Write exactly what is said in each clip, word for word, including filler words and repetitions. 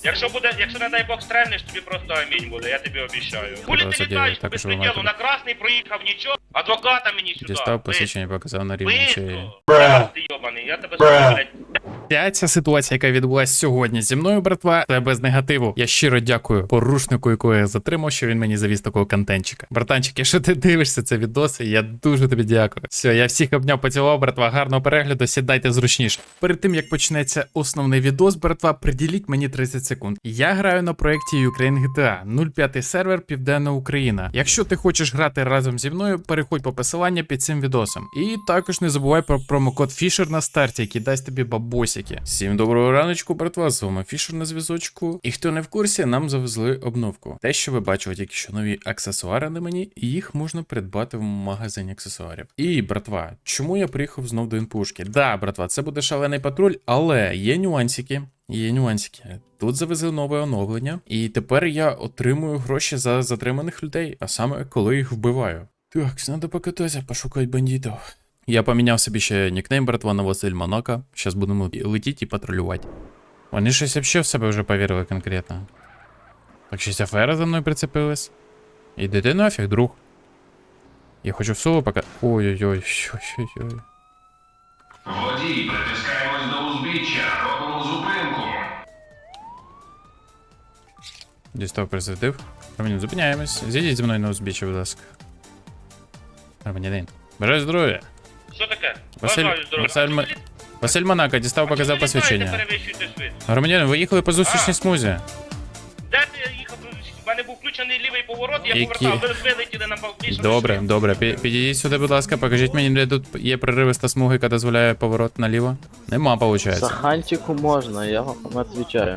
Якщо буде, якщо не дай Бог стрельнеш, тобі просто амінь буде, я тобі обіцяю. Хули ти Просто літаєш так, без що приділу, вимагати. на красний проїхав, нічого, адвоката мені сюди. Дістав посвідчення, показав на рівні шиї. Бистро! Раз ти йобаний, я тебе сука, блядь. Ця ця ситуація, яка відбулася сьогодні зі мною, братва, це без негативу. Я щиро дякую порушнику, якого я затримав, що він мені завіз такого контентчика. Братанчик, якщо ти дивишся це відоси, я дуже тобі дякую. Все, я всіх обняв, поцілував, братва, гарного перегляду, сідайте зручніше. Перед тим, як почнеться основний відос, братва, приділіть мені тридцять секунд. Я граю на проєкті Ukraine джі ті ей, нуль п'ять сервер, Південна Україна. Якщо ти хочеш грати разом зі мною, переходь по посиланню під цим відосом. І також не забувай про промокод Fisher на старті, який дасть тобі бабосики. Всім доброго раночку, братва, з вами Fisher на зв'язочку. І хто не в курсі, нам завезли обновку. Те, що ви бачили тільки що нові аксесуари на мені, і їх можна придбати в магазині аксесуарів. І, братва, чому я приїхав знов до інпушки? Да, братва, це буде шалений патруль, але є нюансики. Є нюансики. Тут завезли нове оновлення, і тепер я отримую гроші за затриманих людей, а саме коли їх вбиваю. Так, треба покататися, пошукати бандитів. Я поміняв собі ще нікнейм, братва, на Василь Монако. Зараз будемо летіти і патрулювати. Вони щось взагалі в себе вже повірили конкретно. Так щось афера за мною прицепилась. Іди ти нафіг, друг. Я хочу в соло пока... Ой-ой-ой, ой-ой-ой. Водій, притискаємось до узбіччя, робимо зупинку. Дістав присвятив. Романін, зупиняємось. Зійдіть зі мною на узбіччя, будь ласка. Романянин. Бажаю здоров'я. Що таке? Василь, Бажаю здоров'я. Василь, М- Василь Монако, дістав, показав А чому ви літаєте, посвідчення. перевищуєте швидкість? Громадянин, ви їхали по зустрічній А. смузі. Де ти їхав? У мене був включений лівий поворот, я Які? повертав, ви вилетіли на більшому Добре, швидкості. добре. Пі- Підійдіть сюди, будь ласка, покажіть мені, де тут є проривиста смуга, яка дозволяє поворот наліво. Нема, виходить. Саханчику можно, я вам отвечаю.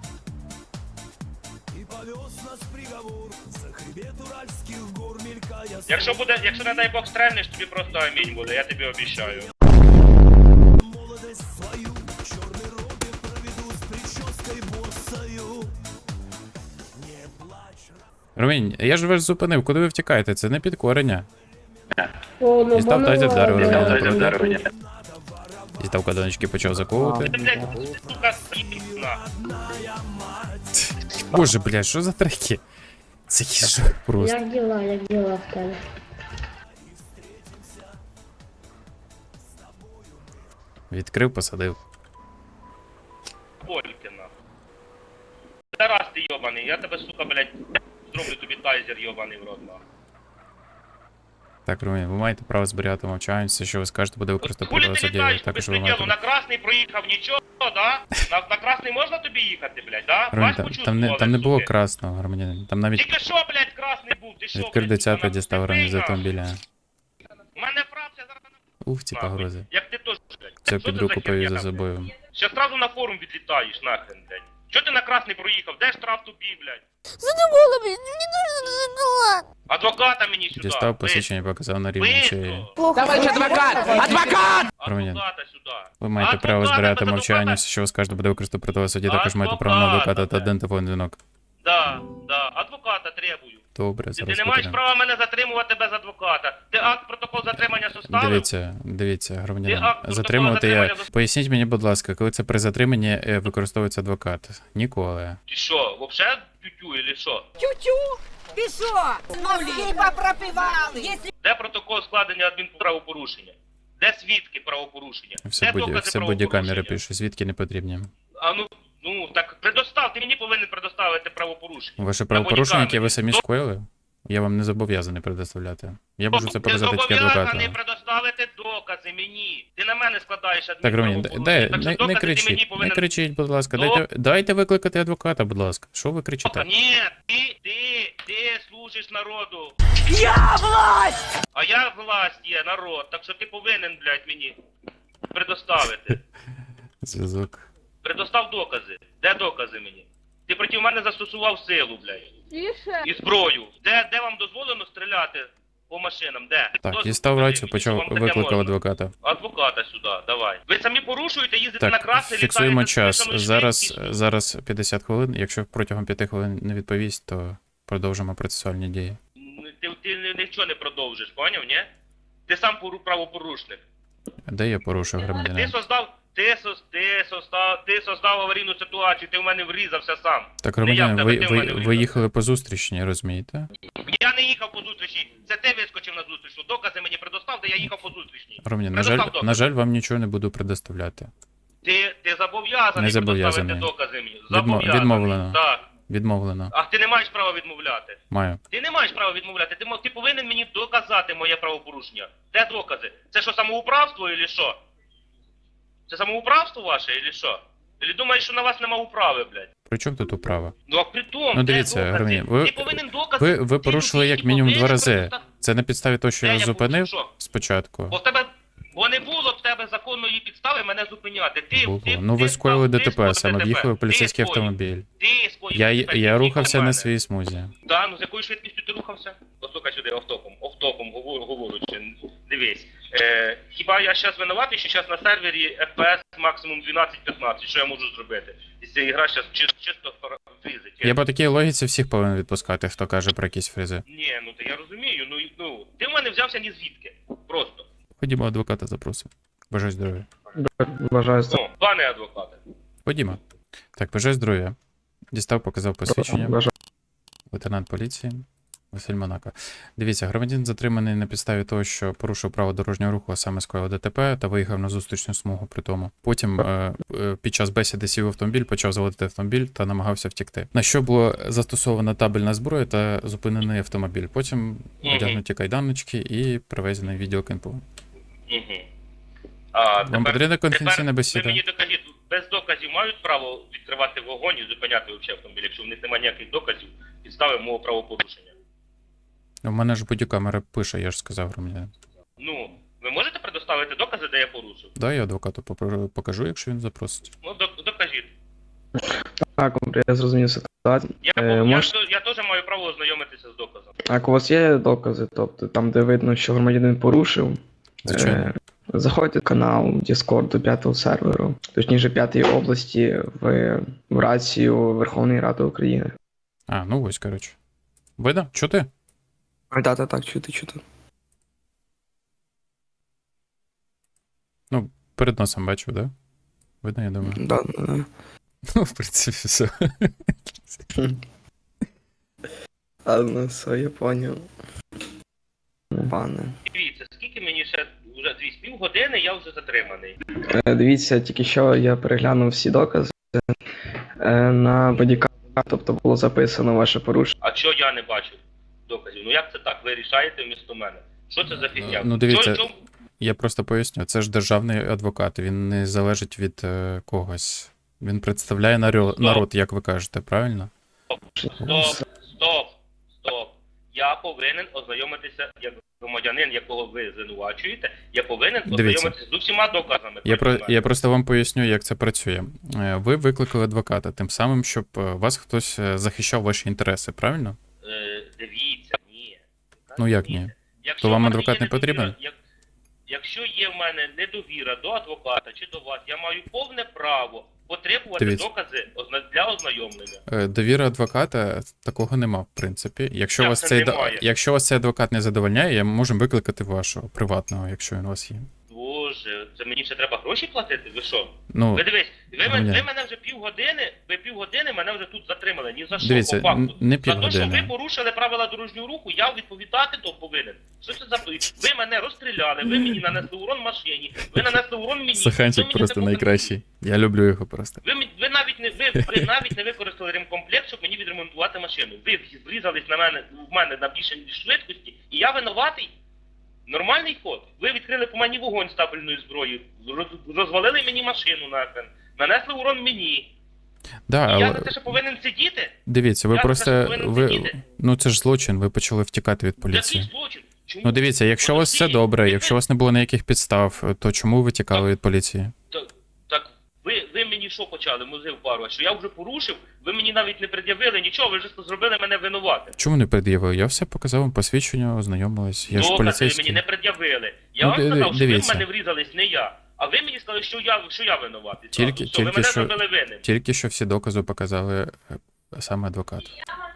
Якщо буде, якщо не дай Бог стрельнеш, тобі просто амінь буде, я тобі обіцяю. Ромінь, я ж вас зупинив, куди ви втікаєте? Це не підкорення. О, ну Дістав воно тазер, вдарив ладно. Роміна. Дістав кадоночки, почав заковувати. Ти, блядь, сука, сіна. Боже, блядь, що за треки? Це хіжок просто. Як діла, як діла в тебе? Відкрив, посадив. Болькина. Тарас ти йобаний, я тебе, сука, блядь, зроблю тобі тайзер йобаний в рот, нахуй. Так, Ромін, ви маєте право зберігати мовчання, все, що ви скажете, буде використано Хули проти ти суддєю. літаєш без Також ви приділу, маєте... на красний проїхав, нічого, да? На, на красний можна тобі їхати, блядь, да? Ромін, Бач, там, почув там, не, слово, там не було суки. красного, громадянин. Там навіть Тільки що, блядь, красний був, ти що, відкрив блядь, дитяту, сука, дістав нахуй, Ромін з нахуй. автомобіля. У мене фракція зараз на... Ух, ці нахуй. погрози. Як ти теж, блядь. Все Що під ти руку за повів херня за там, собою. блядь? Ще одразу на форум відлітаєш, нахрен, блядь. Чого ти на красний проїхав? Де штраф тобі, блядь? Задумала, блин, мне нужно задумала. Адвоката мені сюди. Дістав бистро. посвідчення, показав на рівні шиї. Бистро. Товарищ адвокат! Адвокат! Громадян, Адвоката сюди. Ви маєте право Адвоката, збирати без мовчання, адвоката. все, що ви скажете, буде використано проти вас в суді. Також маєте право на Адвоката, адвоката та блядь. один телефонний дзвінок. Да, да, адвоката требую. Добре, Ти, зараз ти не маєш покажемо. права мене затримувати без адвоката. Ти акт протокол затримання составив? Дивіться, дивіться, Ти громадянин. акт протоколу Затримувати я... затримання зас- Поясніть мені, будь ласка, коли це при затриманні е, використовується адвокат? Ніколи. Ти що, вообще тютю или що? Тю-тю! Ты что? Мозги попропивал! Если Де протокол складення адмінправопорушення? Де свідки правопорушення? Все, Де будь... докази все будь-камери правопорушення? пише, звідки не потрібні. А ну, ну, так предостав, ти мені повинен предоставити правопорушення. Ваше На правопорушення, яке ви бодікамері. самі скоїли, я вам не зобов'язаний предоставляти. Я можу це Ти показати тільки зобов'язаний адвокату. предоставити докази мені. Ти на мене складаєш Так, Ромін, адмінправопорушення. дай, Так що не, докази не ти мені кричіть, не повинен... кричіть, будь ласка. До- Дайте, дайте викликати адвоката, будь ласка. Що ви кричите? Ні, ти, ти, ти служиш народу. я власть! А я власть є, народ, так що ти повинен, блядь, мені предоставити. Зв'язок. Предостав докази. Де докази мені? Ти проти мене застосував силу, блядь. Тише. І зброю. Де, де вам дозволено стріляти по машинам? Де? Так, Дозвіл дістав покажи рацію, мені, почав що вам таке викликав можна. адвоката. Адвоката сюди, давай. Ви самі порушуєте, їздите на Так, красний, фіксуємо літаєте з час. повишеною Зараз, швидкістю. зараз п'ятдесят хвилин. Якщо протягом п'яти хвилин не відповість, то продовжимо процесуальні дії. Ти, ти нічого не продовжиш, поняв, ні? Ти сам пору- правопорушник. Де я порушив Ти громадянин? создав, Ти, сос- ти, создав, ти создав аварійну ситуацію, ти в мене врізався сам. Так, Не я в громадян, тебе, ви, ти в ви, мене ви врізався. їхали по зустрічній, розумієте? Я не їхав по зустрічі, це ти вискочив на зустрічну. Докази мені предостав, де я їхав по зустрічній. Громадян, на жаль, Предостав докази. на жаль, вам нічого не буду предоставляти. Ти, ти зобов'язаний Не зобов'язаний. предоставити докази мені. Відмо- Зобов'язаний. відмовлено. Так. Відмовлено. А ти не маєш права відмовляти. Маю. Ти не маєш права відмовляти. Ти, мо- ти повинен мені доказати моє правопорушення. Де докази? Це що, самоуправство чи що? Це самоуправство ваше чи що? Чи думаєш, що на вас нема управи, блядь? При чому тут управа? Ну а при тому, Ну, де дивіться, докази? Гриній, ви- ти повинен докази. Ви, ви Ти порушили людині як мінімум два повинен рази. предоста- Це на підставі того, що Де я я зупинив порушив, що? спочатку. Бо в тебе, бо не було в тебе законної підстави мене зупиняти. Ти, Було. ти, Ну ви ти скоїли став- ти ДТП, скоїв саме ДТП. в'їхали в Ти поліцейський скоїв. автомобіль. Ти скоїв Я, ДТП, я ти рухався їхав в на мене. своїй смузі. Да, ну з якою швидкістю ти рухався? Послухай сюди, офтопом, офтопом говорю, говорючи. Дивись. Е, хіба я зараз винуватий, що зараз на сервері еф пі ес максимум дванадцять п'ятнадцять, що я можу зробити? І ця ігра зараз чисто, чисто фрізить. Я по такій логіці всіх повинен відпускати, хто каже про якісь фризи. Ні, ну то я розумію, ну, і- ну ти в мене взявся ні звідки. Просто. Ходімо, адвоката запросимо. Бажаю здоров'я. Бажаю Ну, пане адвокате. Ходімо. Так, бажаю здоров'я. Дістав, показав посвідчення. Бажаю. Лейтенант поліції Василь Монако. Дивіться, громадянин затриманий на підставі того, що порушив право дорожнього руху, а саме скоїв ДТП та виїхав на зустрічну смугу при тому. Потім е, е, під час бесіди сів в автомобіль, почав заводити автомобіль та намагався втекти. На що було застосована табельна зброя та зупинений автомобіль. Потім одягнуті кайданочки і привезений в відділ КНПУ. Угу. А, Вам потрібна конфіденційна бесіда? Ви мені докажіть, без доказів мають право відкривати вогонь і зупиняти взагалі автомобіль, якщо в них немає ніяких доказів, підстави мого правопорушення. У мене ж бодікамера пише, я ж сказав громадянин. Ну, ви можете предоставити докази, де я порушив? Да, я адвокату попро- покажу, якщо він запросить. Ну, док- докажіть. Так, добре, я зрозумів ситуацію. Я, Е, я, мож- я, я теж маю право ознайомитися з доказом. Так, у вас є докази, тобто там, де видно, що громадянин порушив. Звичайно. Е, Заходьте в канал Discord до п'ятого серверу, точніше п'ятої області в, в рацію Верховної Ради України. А, ну ось, коротше. Видно? Чути? Так, так, так, чути, чути. Ну, перед носом бачу, да? Видно, я думаю. Да, да. Ну, в принципі, все. Ладно, все, я поняв. Пане. Дивіться, скільки мені ще, вже дві з півгодини я вже затриманий. Е, Дивіться, тільки що я переглянув всі докази. Е, На бодікамері, тобто було записано ваше порушення. А що я не бачу доказів? Ну як це так? Ви рішаєте вмісто мене? Що це за фігня? Ну, дивіться, Що- що- Я просто поясню, це ж державний адвокат, він не залежить від е, когось. Він представляє народ, народ, як ви кажете, правильно? Стоп, стоп, стоп. Я повинен ознайомитися, як громадянин, якого ви звинувачуєте, я повинен Дивіться. ознайомитися з усіма доказами. Я, про, проти мене. я просто вам поясню, як це працює. Е, Ви викликали адвоката, тим самим, щоб е, вас хтось е, захищав ваші інтереси, правильно? Е, дивіться, ні. Ну, як ні? Якщо То вам в мене адвокат є не недовіра- потрібен? Як, якщо є в мене недовіра до адвоката чи до вас, я маю повне право потребувати Дивіться. докази озна- для ознайомлення. Е, Довіра адвоката такого нема, в принципі. Якщо Як вас це цей да- немає? якщо вас цей адвокат не задовольняє, я можемо викликати вашого приватного, якщо він у вас є. Боже, це мені ще треба гроші платити? Ви що? Ну, Ви дивись, ви, мен- Громадян. ви мене вже півгодини, ви півгодини мене вже тут затримали. Ні за що, Дивіться, по факту. н- не За те, що півгодини. ви порушили правила дорожнього руху, я відповідати то повинен. Що це за... Ви мене розстріляли, ви мені нанесли урон машині, ви нанесли урон мені. ви Саханчик мені просто не показали. найкращий. Я люблю його просто. Ви, мі- ви, навіть не, ви, ви навіть не використали ремкомплект, щоб мені відремонтувати машину. Ви зрізались на мене, в мене на більше швидкості, і я винуватий. Нормальний ход. Ви відкрили по мені вогонь з табельною зброєю, роз- розвалили мені машину нахрен, нанесли урон мені. Да, І я але за те, що повинен сидіти? дивіться, ви я за те, просто що повинен ви сидіти? ну це ж злочин, ви почали втікати від Який поліції. злочин? Чому? Ну дивіться, якщо у вас все Подожди, добре, ви- якщо у вас не було ніяких підстав, то чому ви тікали від поліції? Так, так ви, ви мені що почали, музив пару, що я вже порушив, ви мені навіть не пред'явили нічого, ви ж зробили мене винуватим. Чому не пред'явив? Я все показав вам посвідчення, ознайомились. Я ж Докази ви поліцейський. мені не пред'явили. Я Ну, вам ди- сказав, що дивіться. ви в мене врізались, не я. А ви мені сказали, що я, що я винуватий. Тільки- Зразу. Що ви тільки мене що- зробили винним. Тільки що всі докази показали е, саме адвокат.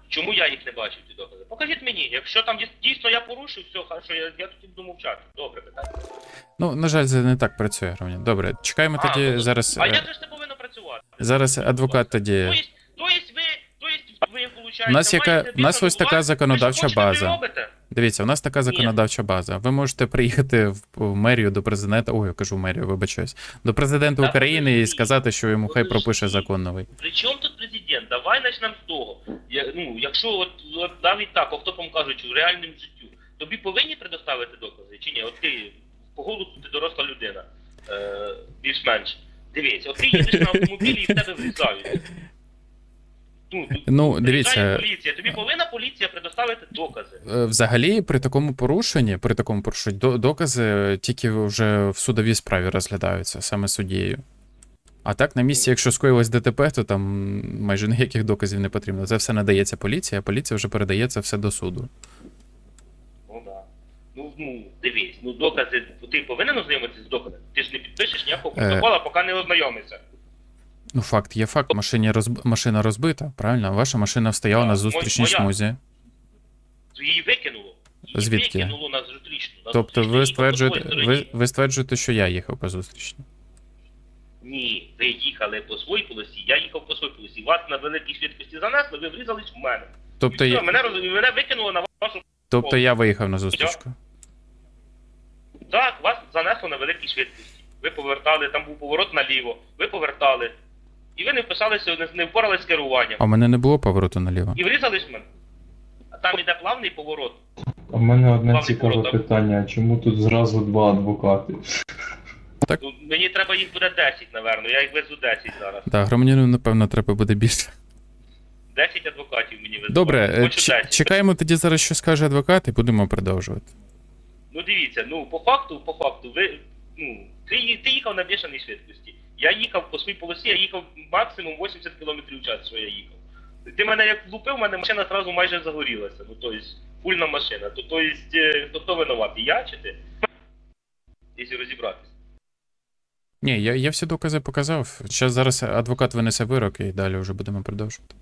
Чому я їх не бачив, ці докази? Покажіть мені, якщо там дійс- дійсно я порушив, все, хорошо, я, я тоді буду мовчати. Добре, питання. Ну, на жаль, це не так працює, громадян. Добре, чекаємо А, тоді ну, зараз. А е, як же ж це повинно працювати? Зараз адвокат тоді. То есть, то есть ви, то есть ви, виходить, У нас яка- маєте у нас ось така визнати, законодавча ви що хочете, база. ви робите? Дивіться, у нас така законодавча база. Ви можете приїхати в в мерію до президента. Ой, я кажу в мерію, вибачаюсь. До президента Та України і подожди, сказати, що йому хай пропише подожди. закон новий. При чому тут президент? Давай почнемо з того. Я, ну, якщо от, от навіть так, автопом кажучи, в реальному життю, тобі повинні предоставити докази чи ні? От ти по голосу ти доросла людина, е, більш-менш. Дивись, от ти їдеш на автомобілі і в тебе врізають. Ну, тут Ну, приїжджає дивіться, поліція. Тобі повинна поліція предоставити докази. е, взагалі при такому порушенні, при такому порушенні до- докази тільки вже в судовій справі розглядаються саме суддєю. А так, на місці, якщо скоїлось ДТП, то там майже ніяких доказів не потрібно. Це все надається поліції, а поліція вже передає це все до суду. Ну да. Ну, ну, дивись, ну докази, ти повинен ознайомитися з доказами? Ти ж не підпишеш ніякого Е. протокола, поки не ознайомишся. Ну, факт є факт. Машині розб... Машина розбита, правильно? Ваша машина стояла Так, на зустрічній моя. смузі. Її викинуло. Її Звідки? викинуло на зустрічну. На Тобто зустрічну, ви її стверджуєте, по своїй ви, стороні. ви стверджуєте, що я їхав по зустрічній. Ні, ви їхали по своїй полосі, я їхав по своїй полосі. Вас на великій швидкості занесли, ви врізались в мене. Тобто І все, я, мене, роз- мене викинуло на вашу... тобто я виїхав на зустрічку. Так, вас занесло на великій швидкості. Ви повертали, там був поворот наліво, ви повертали. І ви не вписалися, не, не впорались з керуванням. А в мене не було повороту наліво. І врізались в мене. А там іде плавний поворот. У мене одне Павло, цікаве Павло, питання, чому тут зразу два адвокати? Ну, мені треба їх буде десять, напевно. Я їх везу десять зараз. Так, громадянину, напевно, треба буде більше. десять адвокатів мені везуть. Добре, е, Хочу ч- десять. чекаємо тоді зараз, що скаже адвокат, і будемо продовжувати. Ну дивіться, ну по факту, по факту, ви, ну, ти, ї- ти їхав на бешеній швидкості. Я їхав по своїй полосі, я їхав максимум вісімдесят кілометрів в час, що я їхав. Ти мене як влупив, у мене машина одразу майже загорілася. Ну, тобто, фульна машина. То, тобто, е, хто, хто винуватий, я чи ти? Якщо розібратися. Ні, я, я всі докази показав. Зараз зараз адвокат винесе вирок і далі вже будемо продовжувати.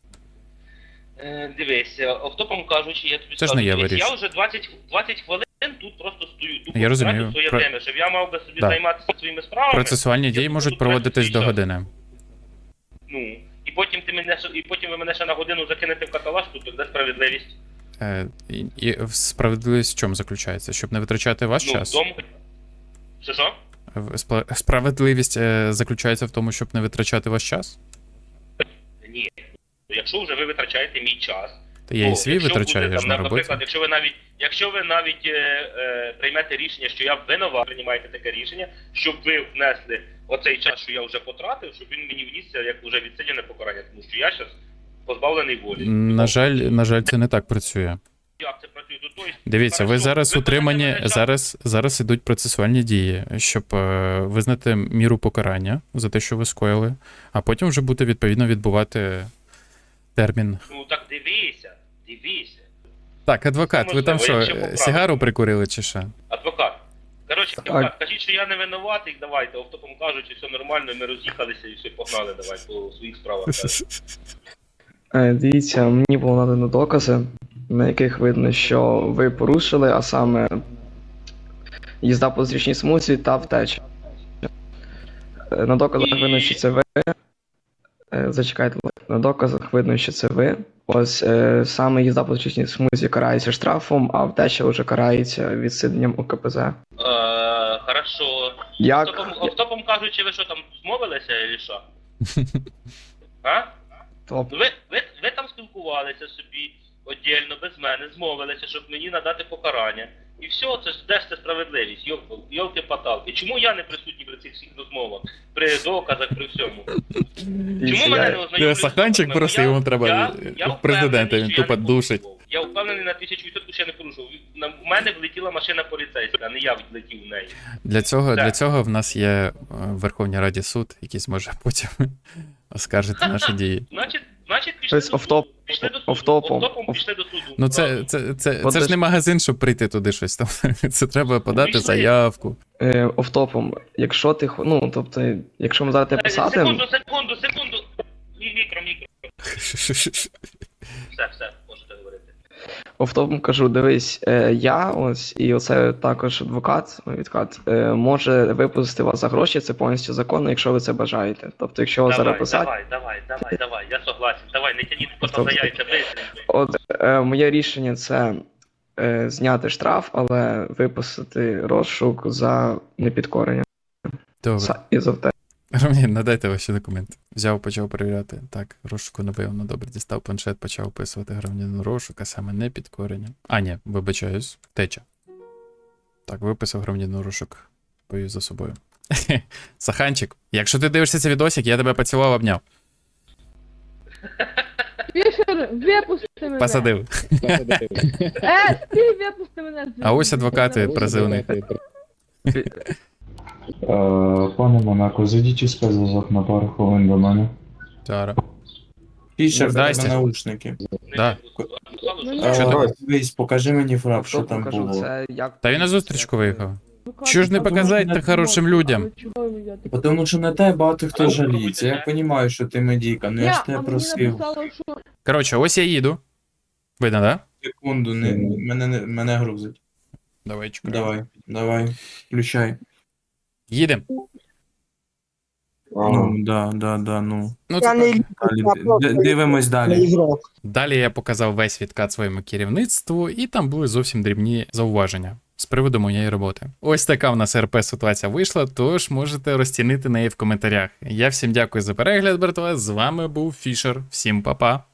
Е, дивись, е, автопом кажучи, я тобі Це ж скажу, не я дивись, вирішую. я вже двадцять, двадцять хвилин тут просто стою. Тупо Я розумію. втратив своє Про- время, щоб я мав би собі Да. займатися своїми справами. Процесуальні Я дії тут можуть тут проводитись свій до час. години. Ну, і потім ти мене ще- і потім ви мене ще на годину закинете в каталажку, то де справедливість? Е, і, і справедливість в чому заключається? Щоб не витрачати ваш Ну, час? вдома. Що що? В- спла- Справедливість е, заключається в тому, щоб не витрачати ваш час? Ні. Якщо вже ви витрачаєте мій час, Та я і то свій якщо витрачаю, буде, я ж там, на роботі. Наприклад, якщо ви навіть, якщо ви навіть е, е, приймете рішення, що я винова, приймаєте таке рішення, щоб ви внесли оцей час, що я вже потратив, щоб він мені внісся як вже відсидіне покарання, тому що я зараз позбавлений волі. На жаль, на жаль, це не так працює. Як це працює? То, тобто, Дивіться, ви хорошо, зараз ви утримані, мене час- зараз, зараз ідуть процесуальні дії, щоб е, визнати міру покарання за те, що ви скоїли, а потім вже буде відповідно відбувати термін. Ну так дивися, дивися. Так, адвокат, ви там Можливо, що, я ще поправлю. сигару прикурили чи що? Адвокат. Коротше, Так. адвокат, кажіть, що я не винуватий, давайте, автопом кажучи, все нормально, ми роз'їхалися і все, погнали, давай, по своїх справах. Е, Дивіться, мені було надано докази, на яких видно, що ви порушили, а саме їзда по зустрічній смузі та втеча. Е, На доказах видно, що це ви. Е, Зачекайте, на доказах видно, що це ви. Ось е, саме їзда по зустрічній смузі карається штрафом, а втеча вже карається відсиденням у ка пе зе. Е, хорошо. Як? Автопом, автопом кажучи, ви що там змовилися, чи що? А? Топ. Ну, Ви, ви, ви там спілкувалися собі віддільно, без мене, змовилися, щоб мені надати покарання. І все, це ж де ж це справедливість, йолки-паталки. Чому я не присутній при цих всіх розмовах, при доказах, при всьому? Чому мене не ознайомлюють? Саханчик з доказами? просто Я- йому треба я- я в президента, впевнений, він що я тупо не душить. порушував. Я впевнений на тисячу відсотків, що я не порушував. На- У мене влетіла машина поліцейська, а не я влетів в неї. Для цього, Так. для цього в нас є е, в Верховній Раді суд, який зможе потім оскаржити наші дії. Значить, значить пішли Тобто до суду. офтоп- Пішли до суду. офтопом. Офтопом пішли до суду. Ну це, Правильно. це, це, це, От це ж ж- не магазин, щоб прийти туди щось там. Це треба подати Пішли. заявку. Е, Офтопом, якщо ти, хо- ну, тобто, якщо ми зараз тебе Е, писати, Секунду, секунду, секунду. Мі- Мікро, мікро. все, все, можете говорити. Офтопом кажу, дивись, е, я ось і оце також адвокат, мій відкат, е, може випустити вас за гроші, це повністю законно, якщо ви це бажаєте. Тобто, якщо вас зараз Давай, писати, давай, давай, давай, давай, я согласен. Давай, не тяніть кота Тобто- за яйця, быстренько. от е, моє рішення це е, зняти штраф, але випустити розшук за непідкорення. Добре. За, і за те. Ромін, надайте ваші документи. Взяв, почав перевіряти. Так, розшуку напевно, добре. Дістав планшет, почав описувати громадянин розшук, а саме не підкорення. А, ні, вибачаюсь, втеча. Так, виписав громадянин розшук. Повів за собою. Саханчик, якщо ти дивишся цей відосик, я тебе поцілував, обняв. Фішер, випусти мене. Посадив. Е, ти випусти мене. звідси. А ось адвокати призивний. Е, пане Монако, зайдіть у спецзв'язок на пару хвилин до мене. Зараз. Фішер, Ну, дай здрасте. наушники. Да. Е, Що там? Дивись, покажи мені фрап, що Офтопом там кажу, було. це як... Та він на зустрічку виїхав. Ну, Чого ж не как? показати не та хорошим людям? Чого ви йдете? Тому що на тебе багато хто жаліється. Я розумію, що ти медійка, ну я Ні, ж а тебе мені просив. написало, що Коротше, ось я їду. Видно, да? Секунду, не, мене, не- мене грузить. Давай, чекай. Давай, давай, включай. Їдем. Ну, да, да, да, ну. Ну, це так. Далі, д- дивимось далі. Далі я показав весь відкат своєму керівництву, і там були зовсім дрібні зауваження з приводу моєї роботи. Ось така в нас РП ситуація вийшла, тож можете розцінити неї в коментарях. Я всім дякую за перегляд, братва. З вами був Фішер. Всім па-па.